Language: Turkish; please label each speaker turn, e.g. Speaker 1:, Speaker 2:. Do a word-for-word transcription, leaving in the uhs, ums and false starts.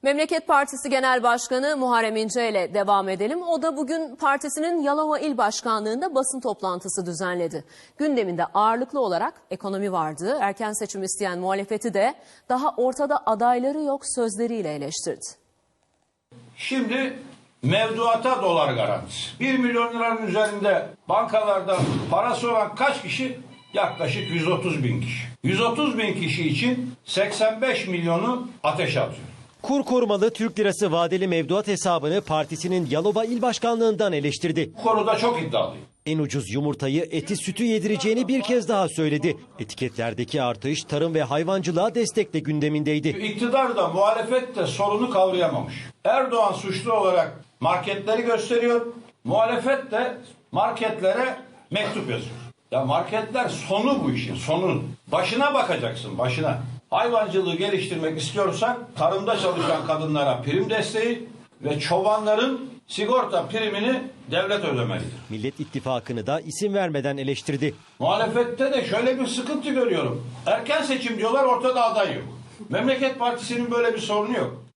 Speaker 1: Memleket Partisi Genel Başkanı Muharrem İnce ile devam edelim. O da bugün partisinin Yalova İl Başkanlığı'nda basın toplantısı düzenledi. Gündeminde ağırlıklı olarak ekonomi vardı. Erken seçim isteyen muhalefeti de daha ortada adayları yok sözleriyle eleştirdi.
Speaker 2: Şimdi mevduata dolar garantisi. bir milyon liranın üzerinde bankalarda parası olan kaç kişi? Yaklaşık yüz otuz bin kişi. yüz otuz bin kişi için seksen beş milyonu ateşe atıyor.
Speaker 3: Kur korumalı Türk lirası vadeli mevduat hesabını partisinin Yalova İl Başkanlığı'ndan eleştirdi.
Speaker 2: Bu konuda çok iddialıyım.
Speaker 3: En ucuz yumurtayı, eti, sütü yedireceğini bir kez daha söyledi. Etiketlerdeki artış tarım ve hayvancılığa destekle gündemindeydi.
Speaker 2: İktidar da muhalefet de sorunu kavrayamamış. Erdoğan suçlu olarak marketleri gösteriyor. Muhalefet de marketlere mektup yazıyor. Ya marketler sonu bu işin, sonu. Başına bakacaksın, başına. Hayvancılığı geliştirmek istiyorsan tarımda çalışan kadınlara prim desteği ve çobanların sigorta primini devlet ödemelidir.
Speaker 3: Millet İttifakı'nı da isim vermeden eleştirdi.
Speaker 2: Muhalefette de şöyle bir sıkıntı görüyorum. Erken seçim diyorlar, ortada aday yok. Memleket Partisi'nin böyle bir sorunu yok.